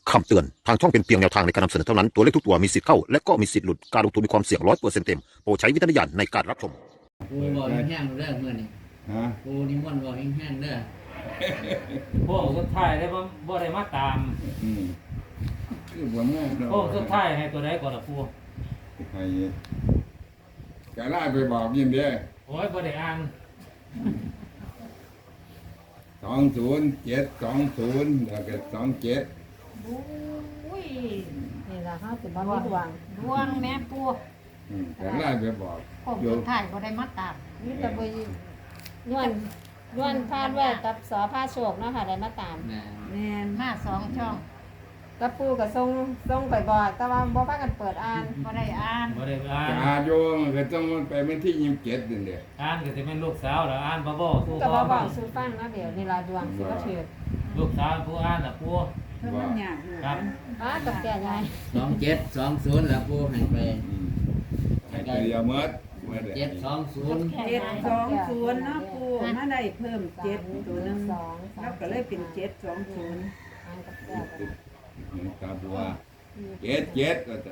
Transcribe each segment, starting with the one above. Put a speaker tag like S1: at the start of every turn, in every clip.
S1: คำเตือนทางช่องเป็นเพียงแนวทางในการนำเสนอเท่านั้นตัวเลขทุกตัวมีสิทธิ์เข้าและก็มีสิทธิ์หลุดการลงทุนมีความเสี่ยง100%เต็มโปรดใช้วิจารณญาณในการรับชม
S2: ปูบอกแห้งๆเด้อเมื่อนี่
S3: ฮะ
S2: ปูนิมนต์บอกแห้งๆเด้อ
S4: พวกสุดท้ายได้บ่ได้มาตาม
S3: คือบ่แม่น
S4: พวกสุดท้ายให้ตัวใดก่อนล่ะปู
S3: ให้จะลาไปบอกยินเด้อ
S4: โอ้ยบ่ได้อ่าน
S3: 20 7 20แล้วก็27
S5: อุ้ย
S6: นี่ล่ะเฮาสิบ่มีดวง
S5: ดวงแม่ปู
S3: จะลาไปบอก
S5: ผมสุดท้ายบ่ได้มาตาม
S6: มีแต่บ่ย้อนพาดไว้กับสอพาโชคเนาะค่ะได้มาตาม
S2: แม่
S6: แม่น
S5: มา2 ช่อง
S6: กับปู่ก็ส่งไปบอกแต่ว่าบ่พากันเปิดอ่าน
S5: บ่ได้อ่าน
S4: บ่ได้อ่าน
S3: จะอาโยมันก็ต้องไปวันที่27นั่นแหละ
S4: อ่านก็สิเป็นลูกสาวแล้วอ่านบ่สู้
S6: ก็
S4: พ่
S6: บ่
S4: อ
S6: บอกสู่ฟังเนาะเดี๋ยวนี่ล่ะดวงสิบ่ถือ
S4: ลูกสาวผู้อ่านน่ะปู
S3: ว่า
S4: ครับ
S6: กับแก่ยาย
S2: 2720แล้วปูให้ไป
S3: ให้ไปเอาหมดว่า
S2: 720
S7: 720เนาะปูมาได้เพิ่ม7ตัวหนึงแล้วก็เลยเป็น720
S6: อ่านกับแก่กัน
S3: ตามตัว77ก็จะ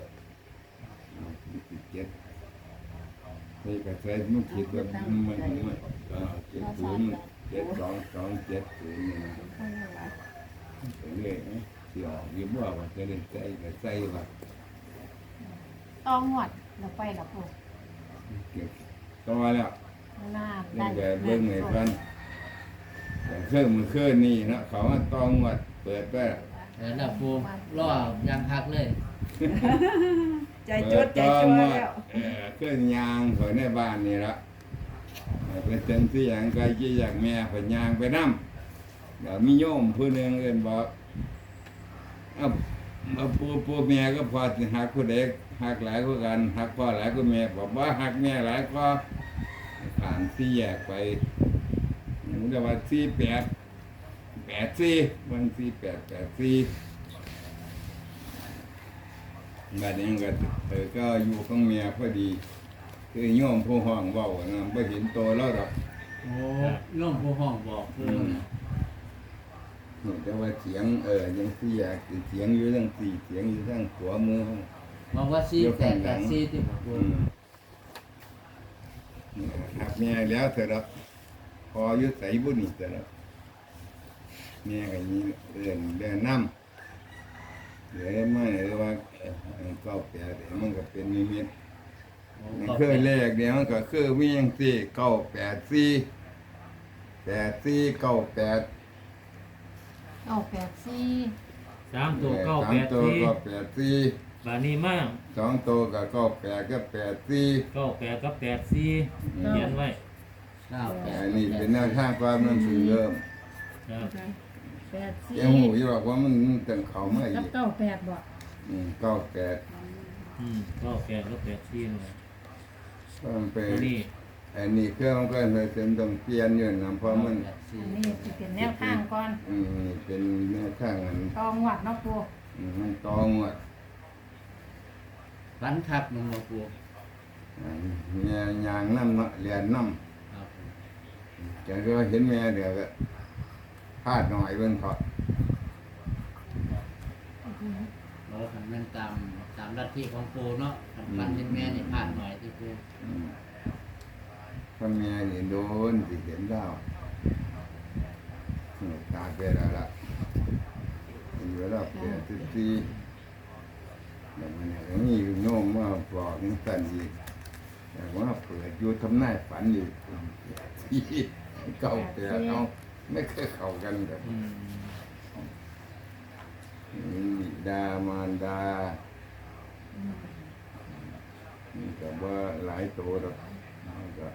S3: 7นี่ก็ใส่มันคิดว่ามันก็70 7270นี่นะเป็นเลขนะสิออกอยู่บ่ว่าจะได้ใส่ก็ใส่ว่า
S5: ต้องหวดแล้วไปล่ะปู
S3: เก็บต่อแล้ว
S5: น้า
S3: เรื่องแบบเบิ่งให้เพิ่นแต่เครื่องมือเครื่องนี่นะเขาว่าต้องวัดเปิดไป
S2: แล้วปูรอยังพักเลย
S7: ใจจดใจจ่อแล้ว
S3: เครื่องยางเขาในบ้านนี่ละเป็นจังที่อย่างไกลที่อยากแม่เพิ่นยางไปนำเดี๋ยวมีโยมผู้หนึงเอิ้นบอกเอาปูแม่ก็พอสิหักผู้ใดหักหลายกว่ากันหักพ่อหลายกว่าแม่บอกว่าหักแม่หลายก็ผ่านที่แยกไปมันจะว่า4884บาง4884บัดนี้ก็อยู่ของเมียพอดีคือโยมผู้ห้องเว้านะบ่เห็นโตแล้วดอก
S2: โอ้ล่มผู้ห้องบอกปูนะ
S3: แต่ว่าเสียงยังเสียเสียงอยู่ทั้งสี่เสียงอยู่ทั้งหัวมือของ
S2: บอกว่า4884ที่ปู
S3: หักแม่แล้วเถอะครับพออยุใส่บุญนี่เถอะครับแม่ก็ยีเดินน้ำเหลือไม่หรือว่าก็แปดมันก็เป็นนิมิตมันคือเลขเดียวมันก็คือวิ่งสี่984
S5: 984
S4: 3ตัว
S3: สามตัวก็84
S4: บาดนี้มา
S3: 2ตัวก็98ก็84
S4: 98กับ84เขียนไว้
S3: อันนี้เป็นแนวทางความนั้นคือเริ่ม
S4: ครับ
S3: ยังหูอยู่ว่ามันตึงเขามาอี
S5: กับ
S3: ก
S5: 98บ่
S3: 98
S4: 98กับ84นั่นแหละ
S3: ก็มันเป็น
S4: อันนี้
S3: อันนี้เครื่องมันก็เลยเป็นต้องเปลี่ยนอยู่นะเพราะมัน
S5: อันนี้สิเป็นแนวทางก่อน
S3: เป็นแนวทางอัน
S5: ต้องหวดเนาะปู
S3: มันตองอ่ะ
S2: ฝันคักมันบ่ปู
S3: แม่ยางน้ำเนาะเรียนน้
S2: ครับ
S3: ำจังก็เห็นแม่เดี๋ยวก็พลาดหน่อยเบิ่งเถอด
S2: เราคันแม่นตามลัทธิของปูเนาะคันฝันเห็นแม่นี่พลาดหน่อยที่ปู
S3: ถ้าแม่นี่โดนสิเห็นดาวตาไปแล้วล่ะอยู่แล้วเปลี่ยนที่แบบนี้อย่างนี้โน้มมาบอกนี่สั่นอีกแต่ว่าเปิดอยู่ทำนายฝันอยู่ที่เก่าแต่เอาไม่เคยเข้ากันแบบ บิดามารดานี่ก็ว่าหลายตัวแล้วก็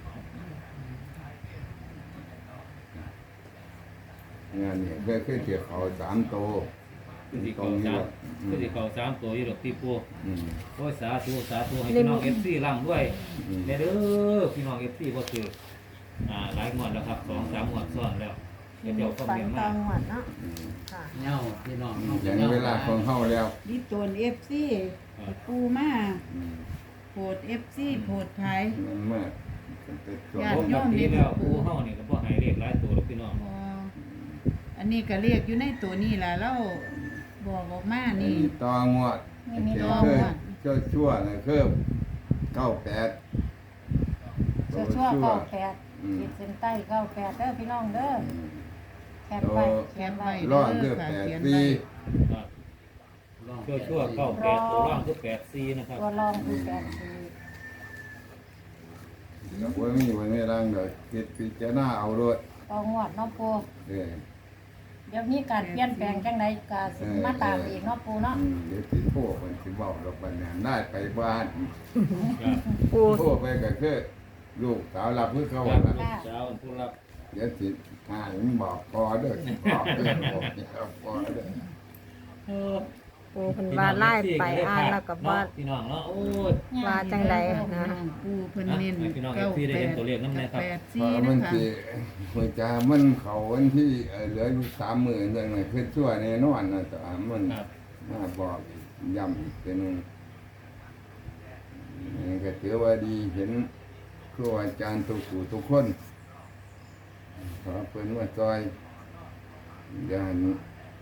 S3: งานเนี่ยก็คือเกี่ยวเขา3 ตัว
S4: คือสิ
S3: ตร
S4: เก่าง
S3: นี้
S4: 3
S3: ว่า
S4: คือสิเก่า3ตัวอยู่ดอกที่ปู
S3: อืม
S4: โอ้ยสาธุให้พี่น้อง FC ร่ำด้วยแน่เด้อพี่น้อง FC บ่ถือหลายงวดแล้วครับ2-3งวดซ้อนแล้วเดี๋ยวก็
S6: ฝัน
S4: เรียน
S6: ตอ
S4: มาง
S6: หวดเนาะ
S3: อืม
S6: ค่ะ
S2: เหย้าพี่น้อง
S3: อย่างเวลาของเฮาแล้ว
S7: นี่ตัว FC ปูมา
S3: อืม
S7: โพด FC โพดไผ
S3: มันมากเป็นตัว
S7: ญา
S4: ผ
S7: ติ
S4: ม
S7: โย
S4: กับ
S7: ม
S4: พี่แล้วปูเฮานี่ก็บ่ให้เลขหลายตัวหรอกพี่น้อง
S7: อ๋ออันนี้ก็เรียกอยู่ในตัวนี้ล่ะแล้วบอกออกมา
S3: อัน
S7: นี่
S3: นี้ต่องวด
S5: นี่มี
S3: เ
S5: ต่อ
S3: คือ
S5: หมด
S3: ชั่วนะคือ98
S5: ชั่วๆ98ขีดเส้นใต้98เด้อพี่น้องเด้อแคปไว้เขียนไว้
S3: รอดคือ
S7: ค่ะเขียน
S3: 8ปี
S7: ไว้
S4: ครับ
S2: ร่อง
S4: ชั่วๆเข้า8ตัวล่างคือ84นะครับ
S5: ตัวรองคือ84
S3: ก็บ่มีวันนี้ร่างดอกคิดพิจารณาเอาด้วย
S5: ต่องวดเนาะปู
S3: เออ
S5: เดี๋ยวมีการเปลี่ยนแปลงจังไดก็สิมาตามอีกเนาะปูเนาะ
S3: เดี๋ยวสิโทรมันสิเว้าดอกบัดนี้ได้ไปบ้าน
S4: ครับ
S6: ปู
S3: โทรไปก็คือลูกสาวรับคือเขา
S4: ครับ
S3: ล่ะ
S4: เช้าผู้รับ
S3: เดี๋ยวสิหามันบอกพอเด้อบอกเด้อบอกเด้อพอเด้อ
S6: ปูเพิ่นว่าไล่ไปอ่านแล้วก็ว่า
S4: พี่น้องเนาะโอ้ย
S6: ว่าจังใดนะ
S7: ปูเพิ่นเน้น
S4: ให้พี่น้อง FC ได้เห็นตัวเลขนำแน่ครับ
S3: พอ
S7: 84
S3: มั
S7: นะ
S3: น
S7: คะ
S3: สิหัวใจมันเขาวันที่เหลืออยู่30,000เท่านั้นคือชั่วแน่นอนนะแต่มัน
S4: ครับ
S3: มาบอกย้ำอีกเป็นงนี่ก็ถือว่าดีเห็นครูอาจารย์ทุกผู้ทุกคนขอเพิ่นว่าซอยอย่านี้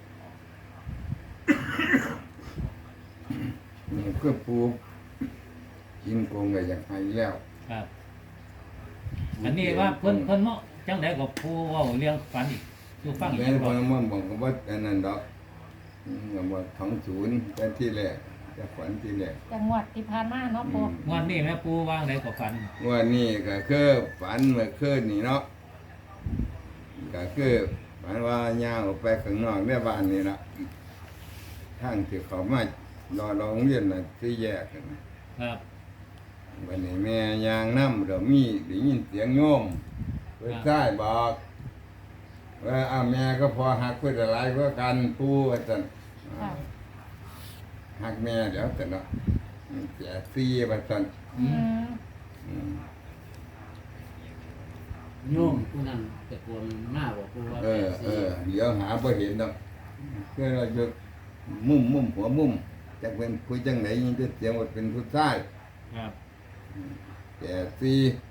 S3: นี่คือปูกินโกงก็อยากให้แล้ว
S4: ครับอันนี้ว่าเพิ่นเนาะจังได๋ก็ผู้เว้าเรื่องฝันอีกอยู่ฟังอีก
S3: แม่น
S4: บ่
S3: คนมันบอกว่าอันนั้นดอกว่าของศูนย์เป็นที่แรกจะฝันที่แรก
S5: จังหวัดที่ผ่านมาเนาะปู
S4: งวดนี้แม่ปูวางไดก็ฝัน
S3: ว่านี่ก็คือฝันเมื่อคืนนี่เนาะก็คือฝันว่าย่างออกไปข้างนอกในบ้านนี่ละทางที่เขามารอโรงเรียนน่ะที่แยกกันนะครับ วันนี้แม่ยางน้ำเรามีได้ยินเสียงโยมเพื่อนใต้บอกว่าอ้าวแม่ก็พอหักเพื่อนอะไรเพื่อกันปูว่าจัน
S5: ค่ะ
S3: หักแม่เดี๋ยวแต่เนาะเสียซีว่าจัน
S5: อืม
S3: อืม
S2: โยมผู้นั้นตะโกนมาบอกปูว่า
S3: เดี๋ยวหาบ่เห็นดอกคือเราจะมุมหัวมุมจะเป็นคุยจังไหนยิ่งจะเสียงว่าเป็นผู้ชาย
S4: ครับ
S3: แต่ซี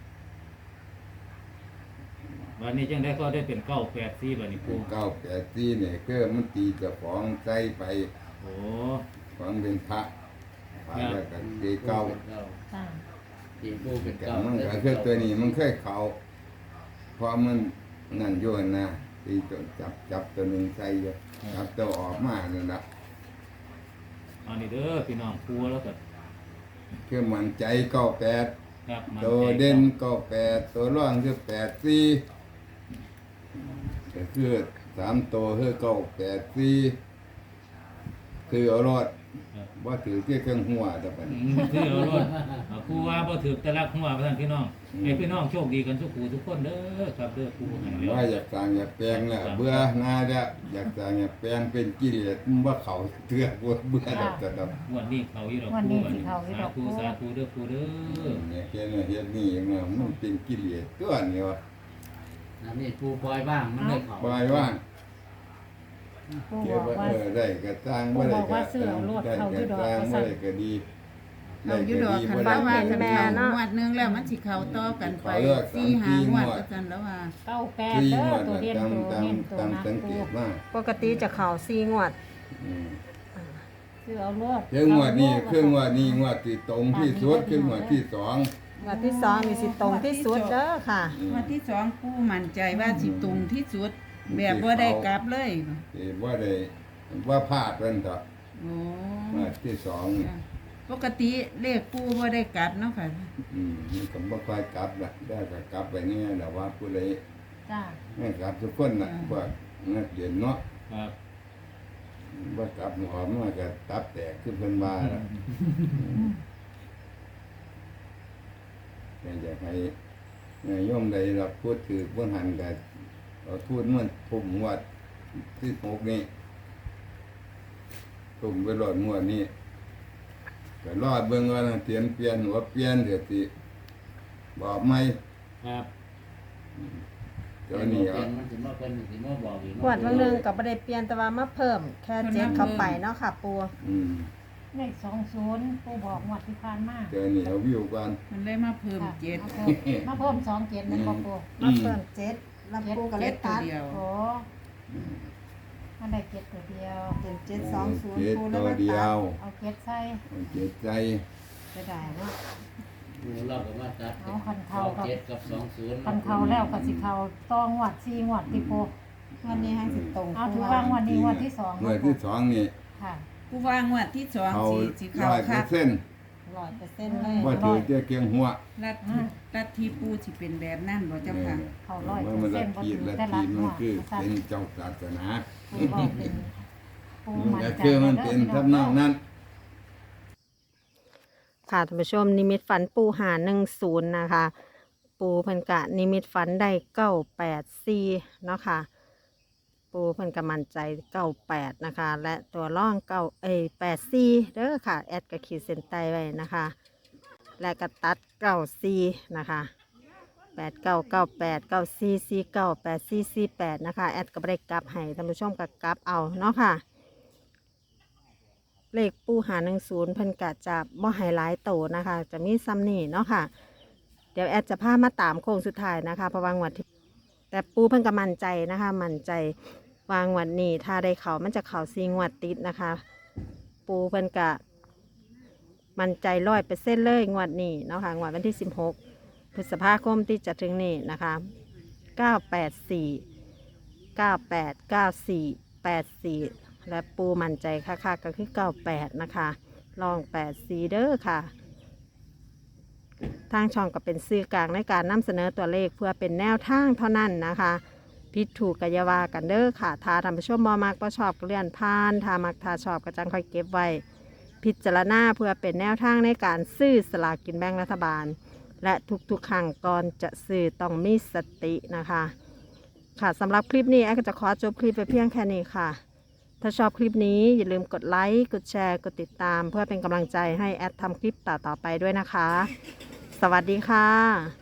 S4: วันนี้จังได๋ก็ได้เป็น984บัดนี้ปู
S3: เก้าแต่ซีเนี่ยคือมันตีเจะของใจไป
S4: โอ้
S3: ของเป็นพระพระแล้วก็ตีเก้า
S5: ค่ะ
S2: ตีปูเป็น
S3: แต่
S2: เก้า
S3: มันก็คือตัวนี้มันเคยเขาเพราะมันนั่นอยู่นะตีตัวจับตัวหนึ่งใส่อยู่จับตัวออกมานั่นละ
S4: อันนี้เด้อพี่น้องปูแล้วก็
S3: คือมันใจเก้าแปด
S4: ครับมัน
S3: ตัวเด่นเก้าแปดตัวร่องคือ84ก็คือ3ตัวคือ984คือเอารอดว่าถือที่เครื่องหัวแต่ปัน
S4: คือเอารถปูว่าบ่ถูกแต่ละหัวว่าซั่นพี่น้องให้พี่น้องโชคดีกันทุกผู้ทุกคนเด้อครับเด้อปูให้แล้ว
S3: ว่าอยากสร้างอยากแปลงแล้วเบื่อหน้าแล้วอยากสร้างอยากแปลงเป็นกิเลสมันว่าเขาเถื่อเบื่อแล้วแต่ดอก
S4: งวดนี้เขาอยู่ดอกปูอันนี้สาธุสาธุเด้อปูเด้อ
S3: เนี่ยเฮ็ดนี่เนาะมันเป็นกิเลสตัวนี้วะ
S2: อันนี้ปูปล่อยบ้างมันเลยเขา
S3: ปล่อยว่าง
S5: ปู
S3: เก็
S5: บบ อก
S3: ไว้
S5: ว่า
S3: ได้ก็สร้างบ่ได้ก็ได้ก็สร้างบ่ได้ก็ดี
S7: เขาอยู่ดอกคัน
S3: ได้
S7: ว่า
S3: ก็
S7: ว่า
S3: ดี
S7: คันเขางวดหนึงแล้วมันสิเข้าต่อกันไป4-5งวดก็ซั่นแล้วว่า
S5: 98
S3: ที่
S5: เด้
S3: ง
S5: อ
S3: วด
S5: ตัว
S3: น่ะ
S5: เด่น
S3: ตาม
S5: ตัว
S3: ตาม
S5: เน้นตัว
S3: ตาม
S5: นัก
S3: สังเก
S5: ปู
S3: ตมา
S6: ปกติจะเข่า4งวด
S3: อืม
S5: คือเอารวด
S3: เครื่องงวดนี้เครื่องงวดนี้งวดที่ตรงที่สุดเครื่องงวดที่สอง
S6: งวดที่2นี่สิตรงที่สุดเด้อค่ะ
S7: งวดที่2ปูมั่นใจว่าสิตรงที่สุด แบบบ่ได้กลับเลย
S3: ที่ว่าได้ว่าพลาดเพิ่นต่อ
S7: โอ้
S3: งวดที่สองนี่
S7: ปกติเลขปูบ่ได้กลับเนาะค่ะ
S3: มันก็บ่ค่อยกลับล่ะได้ก็กลับไปนี่แหละว่าผู้ใด
S5: จ้า
S3: ไม่กลับทุกคนน่ะพวกนักเรียนเนาะ
S4: ครับ
S3: บ่กลับหอมมันก็ตับแตกคือเพิ่นว่าล่ะอยากให้โยมใดรับพูดถือบ่หันก็เอาทูตมันทุ่มงวดที่6นี่ทุ่มไปรอดงวดนี้ก็รอดเบิ่งว่าเตรียมเปลี่ยนหัวเปลี่ยนเดี๋ยวสิบอกไหม
S4: ครับ
S3: เดี๋ยวนี้
S2: เปลี่ยนมันสิมาเป็นสิมาบอกอีก
S6: งวดวันหนึงก็บ่ได้เปลี่ยนแต่ว่ามาเพิ่มแค่เจ็ดเข้าไปเนาะค่ะปู
S3: อืม
S5: เลข20ปูบอกงวดที่ผ่านมา
S3: เดี๋ยวนี้เอาวิวกัน
S7: มันเลยมาเพิ่ม
S5: ค่ะ
S7: เจ็ด
S5: มาเพิ่ม27นั่นบ่ปู
S6: มาเพิ่ม7แล้วปูก็เลยตัด
S7: เจ็ดตัวเดียว
S5: โอ้มันได้เก็ดตัวเดียว
S7: เป็น720
S3: เจ็ด
S7: ปูแล้
S3: ตัว ว
S7: ก็
S3: เดียว
S5: เอาเก็ดใส่
S3: เจ็ดใจ
S7: จะได้เนาะ
S2: ปูเราก็มาตัด
S5: เอาคันเทากับ
S2: เจ็ดกับ20
S5: คันเทาแล้วก็สิเทาต้องงวด4งวดติโป
S7: วันนี้ให้สิตรง
S5: เอาถือว่างวดนี้งวดที่2
S3: เมื่อที่สองนี่
S5: ค่ะ
S7: กูว่างวดที่2
S3: เขา
S7: สิเข้า
S3: ร้อยเป
S7: คั
S3: อก ร์เซ็นต์
S7: 100%เลย
S3: ว่าถือเจ้าเกียงหัว
S7: ลัทธิปูสิเป็นแบบนั้นบ่เจ้าค่ะ
S5: เขา
S3: ว่า
S5: 100%
S3: มัน
S5: บ่
S3: ละ
S5: ถื
S3: ที
S5: อ
S3: ละ
S5: แต่
S3: ที
S5: ละง
S3: มั
S5: วน ด
S3: คือเป็นเจ้าศาสนา
S5: ปูบอกเป็นปู
S3: มัน
S5: มั่น
S3: ก็
S5: ใจ
S3: คือมันเป็นทำนองนั้น
S6: ค่ะท่านผู้ชมนิมิตฝันปูหา10นะคะ ปูเพิ่นกะนิมิตฝันได้984เนาะค่ะ ปูเพิ่นกะมั่นใจ98นะคะ และตัวร่อง84เด้อค่ะแอดก็ขีดเส้นใต้ไว้นะคะ และก็ตัด94นะคะ8998 9449 8448นะคะแอดก็บ่ได้กลับให้ท่านผู้ชมก็กลับเอาเนาะค่ะ เลขปูหา10เพิ่นกะจะบ่ให้หลายโตนะคะ จะมีซ้ำนี่เนาะค่ะ เดี๋ยวแอดจะพามาตามโค้งสุดท้ายนะคะเพราะวางวดที่แต่ปูเพิ่นก็มั่นใจนะคะมั่นใจวางวดนี้ถ้าได้เขามันจะเขา4งวดติดนะคะ ปูเพิ่นกะมั่นใจ100%เลยงวดนี้เนาะค่ะงวดวันที่16พฤษภาคมที่จะถึงนี้นะคะ984 98 94 84และปูมั่นใจค่ะก็คือ98นะคะลอง84เด้อค่ะ ทางช่องก็เป็นสื่อกลางในการนำเสนอตัวเลขเพื่อเป็นแนวทางเท่านั้นนะคะผิดถูกกอยาวากันเด้อค่ะถ้าท่านผู้ชมบ่มักบ่ชอบก็เลื่อนผ่านถ้ามักถ้าชอบก็จังค่อยเก็บไว้พิจารณาเพื่อเป็นแนวทางในการซื้อสลากกินแบ่งรัฐบาล และทุกๆครั้งก่อนจะซื้อต้องมีสตินะคะค่ะสำหรับคลิปนี้แอดก็จะขอจบคลิปไปเพียงแค่นี้ค่ะ ถ้าชอบคลิปนี้อย่าลืมกดไลค์กดแชร์กดติดตาม เพื่อเป็นกำลังใจให้แอดทำคลิปต่อๆไปด้วยนะคะ สวัสดีค่ะ